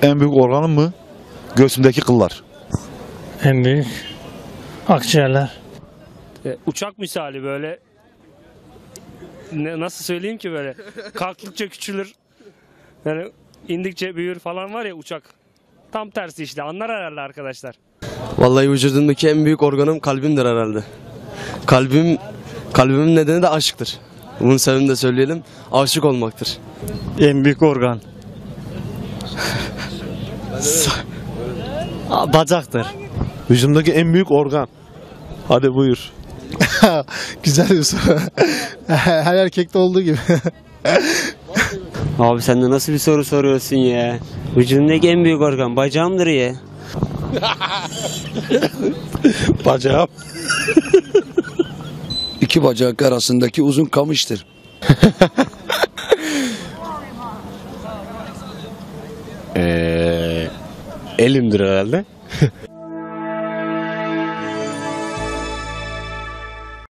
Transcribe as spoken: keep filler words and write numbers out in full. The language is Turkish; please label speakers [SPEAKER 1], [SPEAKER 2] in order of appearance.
[SPEAKER 1] En büyük organım mı? Göğsümdeki kıllar.
[SPEAKER 2] En büyük akciğerler.
[SPEAKER 3] E, uçak misali böyle ne, nasıl söyleyeyim ki böyle kalktıkça küçülür yani indikçe büyür falan var ya uçak. Tam tersi işte anlar herhalde arkadaşlar.
[SPEAKER 4] Vallahi vücudumdaki en büyük organım kalbimdir herhalde. Kalbim, kalbimin nedeni de aşktır. Bunun sebebini de söyleyelim. Aşık olmaktır.
[SPEAKER 2] En büyük organ. Bacaktır.
[SPEAKER 5] Vücudumdaki en büyük organ. Hadi buyur.
[SPEAKER 6] Güzel bir soru. Her erkekte olduğu gibi.
[SPEAKER 7] Abi sen de nasıl bir soru soruyorsun ya? Vücudumdaki en büyük organ bacağımdır ya.
[SPEAKER 5] Bacağım.
[SPEAKER 8] İki bacak arasındaki uzun kamıştır.
[SPEAKER 9] Ee, elimdir herhalde.